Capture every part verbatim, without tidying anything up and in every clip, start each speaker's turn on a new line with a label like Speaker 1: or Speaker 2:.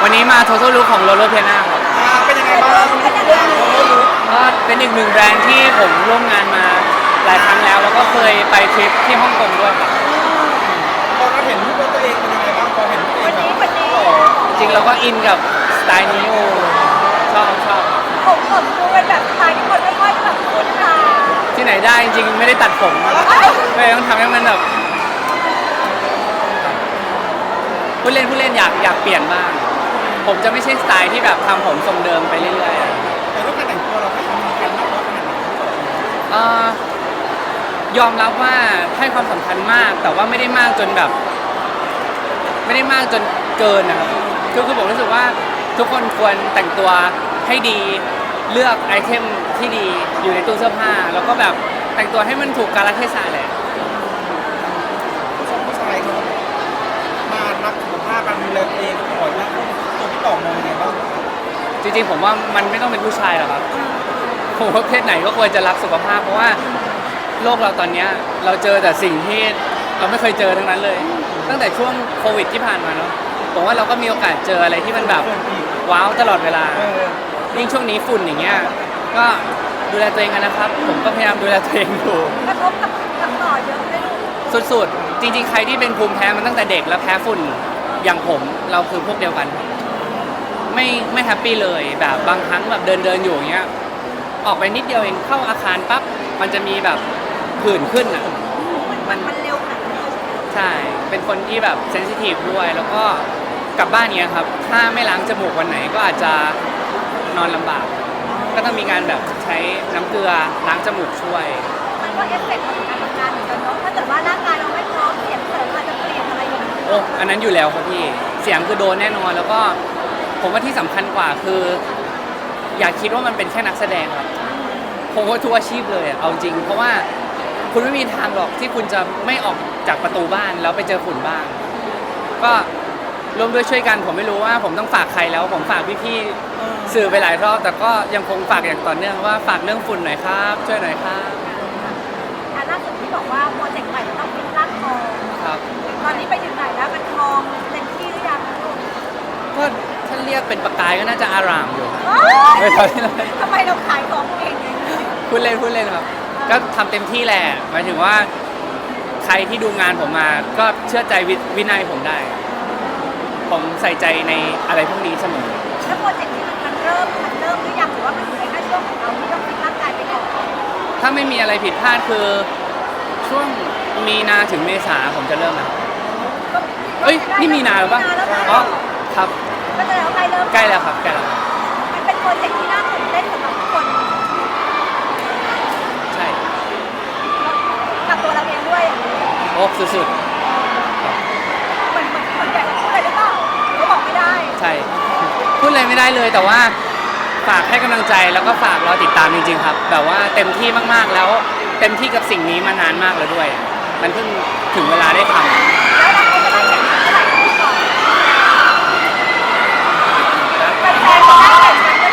Speaker 1: วันนี้มา Total Look ของ Loro Piana ครับ
Speaker 2: อ่าเป็นยังไงบ้างเรื่องนี้
Speaker 1: ก็เป็นอีกหนึ่งแบรนด์ที่ผมร่วมงานมาหลายครั้งแล้ว แล้วก็เคยไปทริปที่ฮ่องกงด้วยครับ
Speaker 2: ตอนเราเห็นรูปตัวเองเป็นยังไงบ้างพอเห็นตัวเองแบบโอ้
Speaker 1: จริงเราก็อินกับสไตล์นี้โอ้ชอบชอบ
Speaker 3: ผมผมดูเป็นแบบสไตล์ที่คนไม่ค่อยแบบคุ้นตา
Speaker 1: ที่ไหนได้จริงๆไม่ได้ตัดผมนะเลยต้องทำให้มันแบบผู้เล่นผู้เล่นอยากอยากเปลี่ยนบ้าง ผมจะไม่ใช่สไตล์ที่แบบทำผมทรงเดิมไปเรื่อยๆอะ
Speaker 2: แต่รูปการแต่งตัวเราให้ความสำคัญมากน้อยขนาดไหน
Speaker 1: เอ่อยอมรับว่าให้ความสำคัญมาก แต่ว่าไม่ได้มากจนแบบ ไม่ได้มากจนเกินนะครับคือคือผมรู้สึกว่าทุกคนควรแต่งตัวให้ดีเลือกไอเทมที่ดีอยู่ในตู้เสื้อผ้า แล้วก็แบบแต่งตัวให้มันถูกกาลเทศะแหละ
Speaker 2: ผู้ชมผู้ชายเขามารักสุขภาพการดูแลตัวเองก่อนนะตัวพี่ต่อมองยังไงบ้าง
Speaker 1: จริงๆผมว่ามันไม่ต้องเป็นผู้ชายหรอกครับผมว่าเพศไหนก็ควรจะรักสุขภาพเพราะว่าโลกเราตอนเนี้ยเราเจอแต่สิ่งที่เราไม่เคยเจอทั้งนั้นเลย ตั้งแต่ช่วงโควิดที่ผ่านมาเนาะผมว่าเราก็มีโอกาสเจออะไรที่มันแบบว้าวตลอดเวลา
Speaker 2: เออ
Speaker 1: ยิ่งช่วงนี้ฝุ่นอย่างเงี้ยก็ดูแลตัวเองกันนะครับ ผมก็พยายามดูแลตัวเองอยู่
Speaker 3: กระทบกับกับต่อเยอะไหมลูก
Speaker 1: สุดๆ จริงๆ ใครที่เป็นภูมิแพ้มันตั้งแต่เด็กแล้วแพ้ฝุ่นอย่างผมเราคือพวกเดียวกัน ไม่ไม่แฮปปี้เลยแบบบางครั้งแบบเดินเดินอยู่อย่างเงี้ยออกไปนิดเดียวเองเข้าอาคารปั๊บมันจะมีแบบผื่นขึ้นอ่ะ
Speaker 3: มันมันเร็วขนาดนี้
Speaker 1: ใช่ เป็นคนที่แบบเซนซิทีฟด้วย แล้วก็กลับบ้านเนี้ยครับ ถ้าไม่ล้างจมูกวันไหนก็อาจจะนอนลำบาก ก็ต้องมีการแบบใช้น้ำเกลือล้างจมูกช่วย
Speaker 3: มันก็เอฟเฟกต์ของการทำงานเหมือนกันเนาะถ้าเกิดว่าร่างกายเราไม่พร้อมเสียงเสริมอาจจะเปลี่ยนอะไรอย่างเงี้ย
Speaker 1: โอ้ อันนั้นอยู่แล้วครับพี่ เสียงคือโดนแน่นอน แล้วก็ผมว่าที่สำคัญกว่าคือ อย่าคิดว่ามันเป็นแค่นักแสดงครับ ผมว่าทุกอาชีพเลยอะเอาจริง เพราะว่าคุณไม่มีทางหรอกที่คุณจะไม่ออกจากประตูบ้านแล้วไปเจอฝุ่นบ้าง ก็ร่วมด้วยช่วยกัน ผมไม่รู้ว่าผมต้องฝากใครแล้ว ผมฝากพี่ๆสื่อไปหลายรอบ แต่ก็ยังคงฝากอย่างต่อเนื่องว่าฝากเรื่องฝุ่นหน่อยครับ ช่วยหน่อยครับ
Speaker 3: อ่ะล่าสุดที่บอกว่าโปรเจกต์ใหม่จะต้องฟิตร่างทอง
Speaker 1: ครับ
Speaker 3: ตอนนี้ไปถึงไหนแล้วมันทองเต็มที่หรือยังลูก
Speaker 1: ก็ถ้าเรียกเป็นประกายก็น่าจะอารามอยู่
Speaker 3: เอ้
Speaker 1: ไม่
Speaker 3: ย
Speaker 1: ใช่เลย
Speaker 3: ทำไมเราขายของเองอย่างนี้
Speaker 1: พูดเล่นพูดเล่นครับ ก็ทำเต็มที่แหละหมายถึงว่าใครที่ดูงานผมมา ก็เชื่อใจวิวินัยผมได้ ผมใส่ใจในอะไรพวกนี้เสมอ
Speaker 3: แล้วโปรเจกต์นี้มันมันเริ่มมันเริ่มหรือยังหรือว่ามันอยู่ในแค่ช่วงของเราที่ต้องฟิตร่างกายไปก่อน
Speaker 1: ถ้าไม่มีอะไรผิดพลาดคือช่วงมีนาถึงเมษาผมจะเริ่มนะเอ้ยนี่มีนาหรือเปล่าอ๋อครับ
Speaker 3: ก็จะแล้วใกล้เริ่ม
Speaker 1: ใกล้แล้วครับใกล้แล้วครับ
Speaker 3: มันเป็นโปรเจกต์ที่น่าตื่นเต้นสำหรับทุกคน
Speaker 1: ใช่
Speaker 3: กับตัวเราเองด้วยอย่างนี้
Speaker 1: โอ้สุด
Speaker 3: เหมือนเหมือนคนใหญ่พูดอะไรหรือเปล่าเขาบอกไม่ได้
Speaker 1: ๆใช่พูดอะไรไม่ได้เลยแต่ว่าฝากให้กำลังใจแล้วก็ฝากรอติดตามจริงๆครับแบบว่าเต็มที่มากๆแล้วเต็มที่กับสิ่งนี้มานานมากแล้วด้วย มันเพิ่งถึงเวลาได้ทำ
Speaker 3: แล้วเราจะได้เห็นเมื่อไหร่พูดก่อนแฟนๆจะได้เห็นกันเมื่อไหร่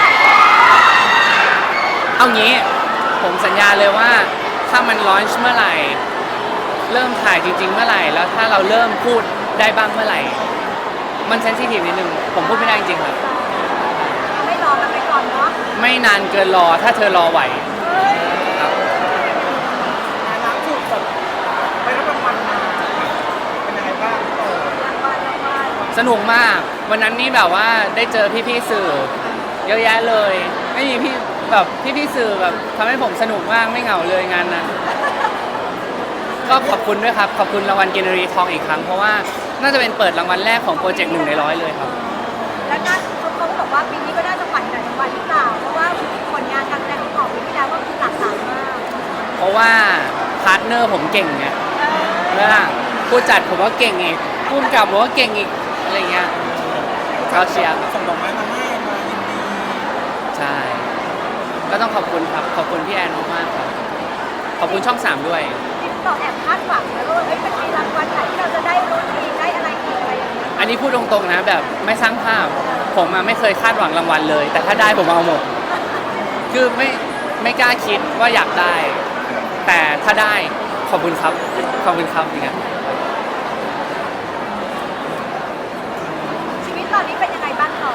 Speaker 1: เอางี้ผมสัญญาเลยว่าถ้ามันลอนช์เมื่อไหร่ เริ่มถ่ายจริง ๆ เมื่อไหร่ แล้วถ้าเราเริ่มพูดได้บ้างเมื่อไหร่ มันเซนซิทีฟนิดนึงผมพูดไม่ได้จริงๆครับ
Speaker 3: ไม่รอกันไปก่อนเนาะ
Speaker 1: ไม่นานเกินรอถ้าเธอรอไหวครับ
Speaker 2: ล่าสุดแบบไปรับรางวัลมาเป็นยังไงบ้างพี่ต่อ
Speaker 3: รางวัลรางวัล
Speaker 1: สนุกมากวันนั้นนี่แบบว่าได้เจอพี่ๆสื่อ เยอะแยะเลย ไม่มีพี่แบบพี่ๆสื่อแบบทำให้ผมสนุกมากไม่เหงาเลยงานนั้น ก็ขอบคุณด้วยครับ ขอบคุณรางวัลกินรีทองอีกครั้ง เพราะว่าน่าจะเป็นเปิดรางวัลแรกของโปรเจกต์หนึ่งในร้อยเลยครับ
Speaker 3: แล้วน่าเขาเขาบอกว่าปีนี้ก็น่าจะฝันแต่รางวัลหรือเปล่าเพราะว่าผลงานการแสดงของปีที่แล้วก็คือหลากหลายมาก
Speaker 1: เพราะว่าพาร์ทเนอร์ผมเก่งไง
Speaker 3: เออ
Speaker 1: เมื่อผู้จัดผมก็เก่งอีกผู้กำกับผมก็เก่งอีกอะไรเงี้ยเขาเชียร์
Speaker 2: ส่งดอกไม้มาให้มายินดี
Speaker 1: ใช่ ก็ต้องขอบคุณครับ ขอบคุณพี่แอนมากๆครับ ขอบคุณช่องสามด้วย
Speaker 3: ที่ต่อแอบคาดหวังนะว่าเอ้ยมันมีรางวัลไหนที่เราจะได้รุ่นอีกได้อะไรอีกอะไรอย่างเงี้ย
Speaker 1: อันนี้พูดตรงๆนะแบบไม่สร้างภาพ ผมมาไม่เคยคาดหวังรางวัลเลย แต่ถ้าได้ผมเอาหมด คือไม่ไม่กล้าคิดว่าอยากได้ แต่ถ้าได้ขอบคุณครับ ขอบคุณครับอย่างเงี้ย
Speaker 3: ชีวิตตอนนี้เป็นยังไงบ้างคะ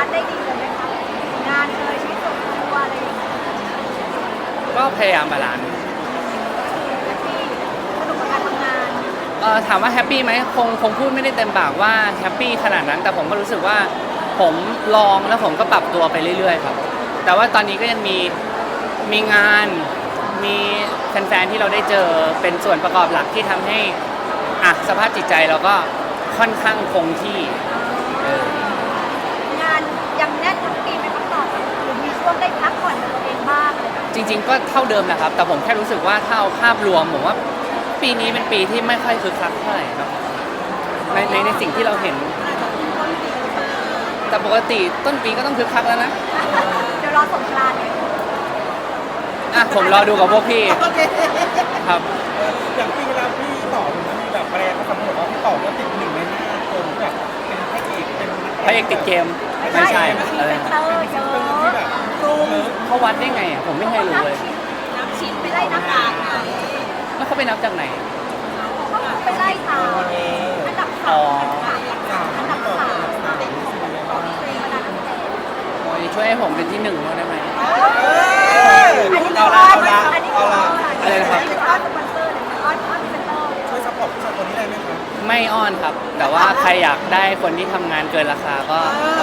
Speaker 3: นซ์ได้ดีเลยไหมคะงานเลยชีวิตส่วนตัวอะไรอย่างเงี้ย
Speaker 1: ก็พยายามบาลานซ์
Speaker 3: แฮปปี้สนุกกับการทำงาน
Speaker 1: เออถามว่าแฮปปี้ไหมคงคงพูดไม่ได้เต็มปากว่าแฮปปี้ขนาดนั้น แต่ผมก็รู้สึกว่าผมลองแล้วผมก็ปรับตัวไปเรื่อยๆครับแต่ว่าตอนนี้ก็ยังมีมีงานมีแฟนๆที่เราได้เจอเป็นส่วนประกอบหลักที่ทำให้อ่ะสภาพจิตใจเราก็ค่อนข้างคงที่เออง
Speaker 3: านยังแน่นทั้งปีไหมครับต่อหรือมีช่วงได้พักผ่อนกับตัวเองบ้างอะไรแบบนี้
Speaker 1: จริง ๆ ก็เท่าเดิมแหละครับ แต่ผมแค่รู้สึกว่าถ้าเอาภาพรวมผมว่าปีนี้เป็นปีที่ไม่ค่อยคึกคักเท่าไหร่ครับในในในสิ่งที่เราเห็น แต่ปกติต้นปีก็ต้องคึกคักแล้วนะ
Speaker 3: เดี๋ยวรอสงกรานต์เนี่ย
Speaker 1: อ่ะผมรอดูกับพวกพี่
Speaker 2: โอเค
Speaker 1: ครับ
Speaker 2: เอออย่างปีแล้วพี่ต่อมันมีแบบแบรนด์เขาสำรวจว่าพี่ต่อก็ติดหนึ่งในห้าคนแบบเป็นพระเอกเป็น
Speaker 1: พระเอกติดเกมไม่ใช่
Speaker 3: มี
Speaker 1: อะไร
Speaker 3: เซ็นเตอร์เย
Speaker 2: เป็นที่
Speaker 3: อะ
Speaker 2: แบบรูม
Speaker 1: เขาวัดได้ไงอ่ะผมไม่เคยรู้เลย
Speaker 3: นับชิ้นไปไล่นับการไง
Speaker 1: แล้วเขาไปนับจากไหน
Speaker 3: เขาไปไล่ตามอันดับสามอันดับสามอันดับสามของเพลงมานานตั้งแต่
Speaker 1: โอ้ยช่วยให้ผมเป็นที่หนึ่งได้ไหม
Speaker 3: อันนี้ก็อ้อนอันนี้ก็อ้อน
Speaker 1: อะไรนะครับ
Speaker 3: อันนี้ก็อ้อนสปอนเซอร์เลยอ้อนอ้อนเซ็นเตอร์
Speaker 2: ช่วยซัพพอร์ตผู้ชายคนนี้ได้ไหมครับ
Speaker 1: ไม่อ้อนครับ แต่ว่าใครอยากได้คนที่ทำงานเกินราคาก็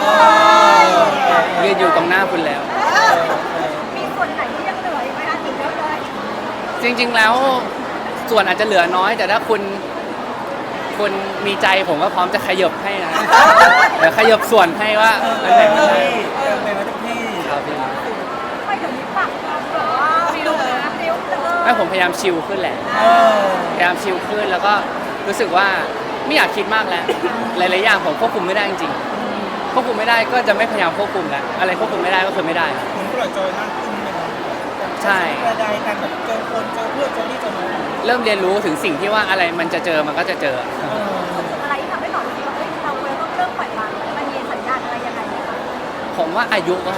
Speaker 1: ยืนอยู่ตรงหน้าคุณแล้ว
Speaker 3: มีส่วนไหนที่ยังเหลืออีกไหมคะถึงเยอะเลย
Speaker 1: จริงๆแล้วส่วนอาจจะเหลือน้อย แต่ถ้าคุณคุณมีใจผมก็พร้อมจะขยบให้นะเดี๋ยวขยบส่วนให้ว่าอันไหนมันใช่
Speaker 2: เออเป็นมาทุกที่
Speaker 1: ครับพี่
Speaker 3: ไม่เดี๋ยวนี้ปากแบบว่าฟิลนะฟิลเตอร์
Speaker 1: ไม่ผมพยายามชิลขึ้นแหละ
Speaker 2: เออ
Speaker 1: พยายามชิลขึ้นแล้วก็รู้สึกว่าไม่อยากคิดมากแล้ว หลายๆอย่างผมควบคุมไม่ได้จริงๆควบคุมไม่ได้ก็จะไม่พยายามควบคุมแล้วอะไรควบคุมไม่ได้ก็คือไม่ได้ครับ
Speaker 2: เหมือนปล่อยจอยมากขึ้นนะครับ
Speaker 1: ใช่
Speaker 2: ใดๆกันแบบเจอคนเจอเพื่อนเจอนี่เจอน้อง
Speaker 1: เริ่มเรียนรู้ถึงสิ่งที่ว่าอะไรมันจะเจอมันก็จะเจอ
Speaker 2: เออ
Speaker 3: อะไรที่ทำให้หน่อยรู้สึกว่าเฮ้ยเราควรต้องเริ่มปล่อยวางมันมีสัญญาณอะไรยังไงไหมคะ
Speaker 1: ผมว่าอายุก็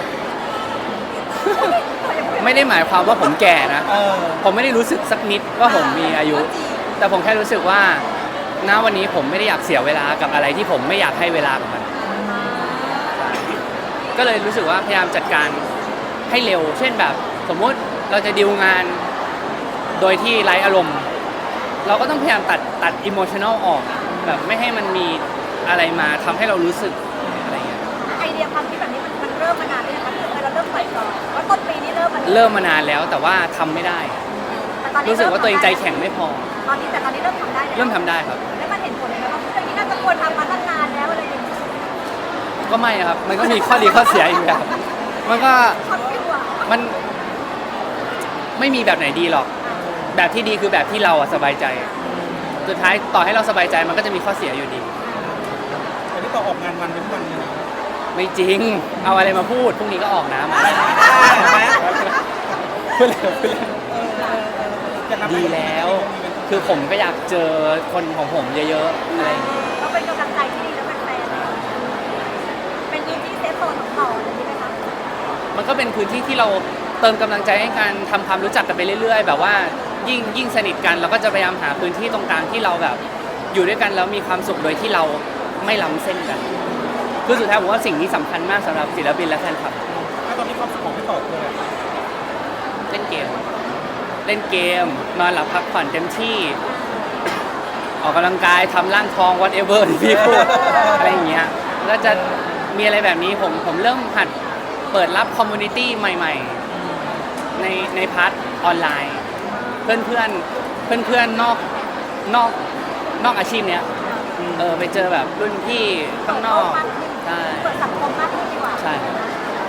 Speaker 1: ไม่ได้หมายความว่าผมแก่นะ
Speaker 2: เออ
Speaker 1: ผมไม่ได้รู้สึกสักนิดว่าผมมีอายุ แต่ผมแค่รู้สึกว่าณวันนี้ผมไม่ได้อยากเสียเวลากับอะไรที่ผมไม่อยากให้เวลากับมันใช่ก็เลยรู้สึกว่าพยายามจัดการให้เร็ว เช่นแบบ สมมุติเราจะดีลงานโดยที่ไร้อารมณ์ เราก็ต้องพยายามตัดตัดอิโมชัน a ลออกแบบไม่ให้มันมีอะไรมาทำให้เรารู้สึกอะไรเงี้ย
Speaker 3: ไอเดียความคิดแบบนี้มันมันเริ่มมานานเลยนะคะคือเราเริ่มปล่อยก่อนว่าต้นปีนี้เริ่มมัน
Speaker 1: เริ่มมานานแล้วแต่ว่าทำไม่ได้
Speaker 3: แต่ตอนนี้
Speaker 1: รู้สึกว่าตัวเองใจแข็งไม่พอ
Speaker 3: ตอนนี้แต่ตอนนี้เริ่มทำได้แล้ว
Speaker 1: เริ่มทำได้ครับ
Speaker 3: แล้วมันเห็นผลเลยไหมว่าเรื่องนี้น่าจะควรทำมาตั้งนานแล้วอะไรอย่างเงี้ย
Speaker 1: ก็ไม่ครับ มันก็มีข้อดีข้อเสียอีกแบบมันก็
Speaker 3: ช็อตฟิวอ่ะ
Speaker 1: มันไม่มีแบบไหนดีหรอก แบบที่ดีคือแบบที่เราอะสบายใจ สุดท้ายต่อให้เราสบายใจมันก็จะมีข้อเสียอยู่ดี
Speaker 2: อันนี้ต่อออกงานวันเป็นวันเลยนะ
Speaker 1: ไม่จริง เอาอะไรมาพูด พรุ่งนี้ก็ออกน้ำ
Speaker 2: เห็นไหม
Speaker 1: พูดเลยพูดเลย
Speaker 2: เออเออเออจะทำให้
Speaker 1: ดีแล้ว คือผมก็อยากเจอคนของผมเยอะๆอะไรอย่างเงี้ย
Speaker 3: ก็เป็นกำลังใจที่ดีแล้วแฟนๆเป็นพื้นที่เซฟโซนของต่ออะไรอย่างนี้ไหมคะ
Speaker 1: มันก็เป็นพื้นที่ที่เราเติมกำลังใจให้การทำความรู้จักกันไปเรื่อยๆ แบบว่ายิ่งยิ่งสนิทกันเราก็จะพยายามหาพื้นที่ตรงกลางที่เราแบบอยู่ด้วยกันแล้วมีความสุขโดยที่เราไม่ล้ำเส้นกัน คือสุดท้ายผมว่าสิ่งนี้สำคัญมากสำหรับศิลปินและแฟนคลับ
Speaker 2: ถ้าตอนนี้ความสุขของพี่ต่อคืออะไร
Speaker 1: เล่นเกม เล่นเกม นอนหลับพักผ่อนเต็มที่ ออกกำลังกายทำร่างทอง whatever ที่พี่พูด อะไรอย่างเงี้ยก็จะมีอะไรแบบนี้ผมผมเริ่มหัดเปิดรับคอมมูนิตี้ใหม่ๆ ในในพาร์ทออนไลน์ เพื่อนเพื่อนเพื่อนเพื่อนๆนอกนอกนอกอาชีพเนี้ยเออไปเจอแบบรุ่นพี่ข้างนอกใช่
Speaker 3: เปิดสังคมมากขึ้นดีกว่า
Speaker 1: ใช่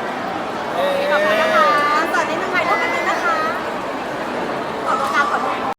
Speaker 2: เออ
Speaker 3: ขอบคุณนะคะสวัสดีทางไทยร่วมกันเลยนะคะขอบคุณค่ะขอบคุณ